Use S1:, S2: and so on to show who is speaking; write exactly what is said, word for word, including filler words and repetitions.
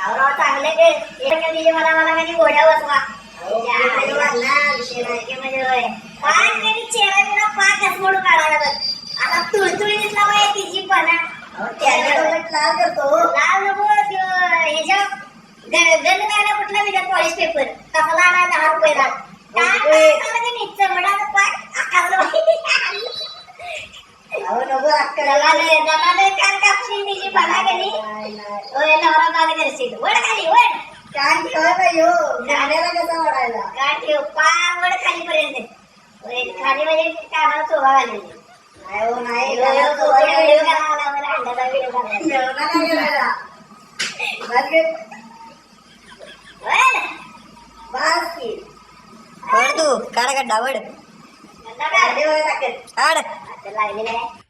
S1: राव चांगले ते एक दिली मला मला कधी घोड्या बसवा विषय नाही की म्हणजे होय पाक कधी चेहरा बिना पाक असमोडून काढायला बघ आता तुळतुळी दिसला बाई तिची पणा लाल करतो लाल नको ह्याच्या गण काय कुठला विचार पॉलिश पेपर कसला आणा दहा रुपये रात काय काय चमडाचा पाक आकारला अहो नको दलाले दलाले कान कापशी तिची पणा गेली ओय नवरा बाल करशील वड खाली वड कान ठेव बाई हो गाण्याला कसा वडायला कान ठेव पाय वड खाली पर्यंत ओय खाली म्हणजे कानाला चोभा घालली नाही हो नाही व्हिडिओ करायला मला अंड्याचा व्हिडिओ करायला काय करायला बस गे वड बस की वड तू काढ गड्डा वड गड्डा काढ दे वड टाक आड आता लागले नाही